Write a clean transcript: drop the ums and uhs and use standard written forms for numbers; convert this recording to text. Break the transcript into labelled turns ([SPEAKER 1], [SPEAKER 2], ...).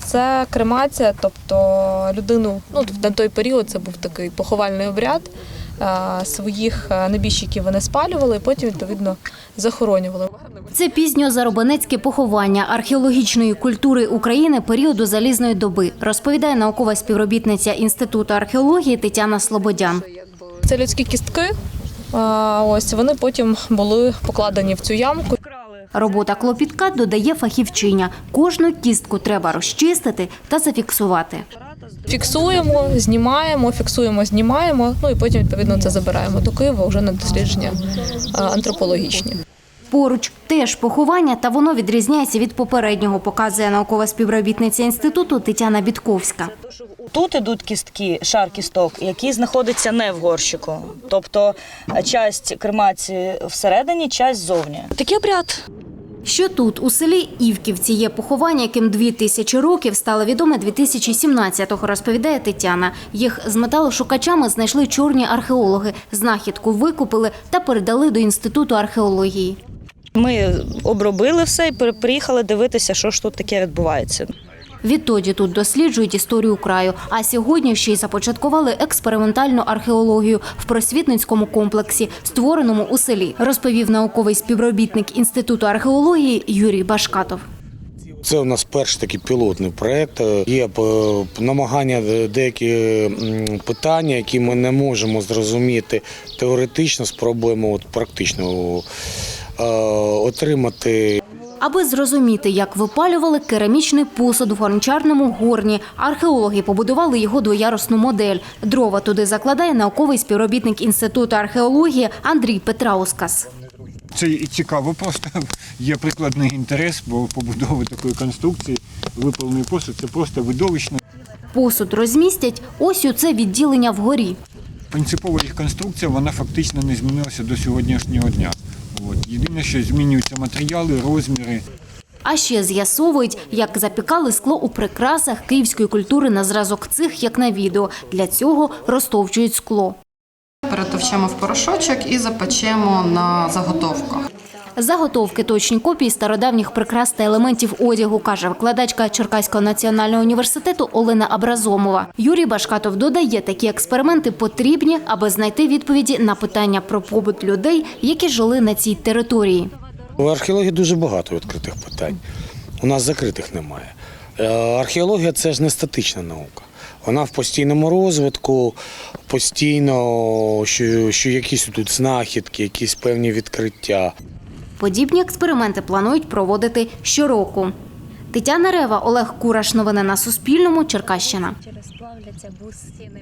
[SPEAKER 1] це кремація, тобто людину, на той період це був такий поховальний обряд. Своїх небіжчиків вони спалювали і потім, відповідно, захоронювали.
[SPEAKER 2] Це пізньозаробенецьке поховання археологічної культури України періоду Залізної доби, розповідає наукова співробітниця Інституту археології Тетяна Слободян.
[SPEAKER 1] Це людські кістки, ось вони потім були покладені в цю ямку.
[SPEAKER 2] Робота клопітка, додає фахівчиня. Кожну кістку треба розчистити та зафіксувати.
[SPEAKER 1] Фіксуємо, знімаємо, і потім, відповідно, це забираємо до Києва вже на дослідження антропологічні.
[SPEAKER 2] Поруч теж поховання, та воно відрізняється від попереднього, показує наукова співробітниця інституту Тетяна Бітковська.
[SPEAKER 3] Тут ідуть кістки, шар кісток, який знаходиться не в горщику. Тобто часть кремації всередині, часть ззовні. Такий обряд.
[SPEAKER 2] Що тут, у селі Івківці, є поховання, яким 2000 років, стало відоме 2017-го, розповідає Тетяна. Їх з металошукачами знайшли чорні археологи. Знахідку викупили та передали до Інституту археології.
[SPEAKER 3] Ми обробили все і приїхали дивитися, що ж тут таке відбувається.
[SPEAKER 2] Відтоді тут досліджують історію краю, а сьогодні ще й започаткували експериментальну археологію в просвітницькому комплексі, створеному у селі, розповів науковий співробітник Інституту археології Юрій Башкатов.
[SPEAKER 4] Це у нас перший такий пілотний проєкт. Є намагання деякі питання, які ми не можемо зрозуміти теоретично, спробуємо практично отримати.
[SPEAKER 2] Аби зрозуміти, як випалювали керамічний посуд в гончарному горні, археологи побудували його двоярусну модель. Дрова туди закладає науковий співробітник Інституту археології Андрій Петраускас.
[SPEAKER 5] Це цікаво, просто є прикладний інтерес, бо побудови такої конструкції, випалений посуд – це просто видовищно.
[SPEAKER 2] Посуд розмістять ось у це відділення вгорі.
[SPEAKER 5] Принципова їх конструкція, вона фактично не змінилася до сьогоднішнього дня. Єдине, що змінюються матеріали, розміри.
[SPEAKER 2] А ще з'ясовують, як запікали скло у прикрасах київської культури на зразок цих, як на відео. Для цього розтовчують скло.
[SPEAKER 6] Перетовчемо в порошочок і запечемо на заготовках.
[SPEAKER 2] Заготовки – точні копії стародавніх прикрас та елементів одягу, каже викладачка Черкаського національного університету Олена Абразомова. Юрій Башкатов додає, такі експерименти потрібні, аби знайти відповіді на питання про побут людей, які жили на цій території.
[SPEAKER 4] У археології дуже багато відкритих питань. У нас закритих немає. Археологія – це ж не статична наука. Вона в постійному розвитку, постійно, що якісь тут знахідки, якісь певні відкриття.
[SPEAKER 2] Подібні експерименти планують проводити щороку. Тетяна Рева, Олег Кураш. Новини на Суспільному. Черкащина.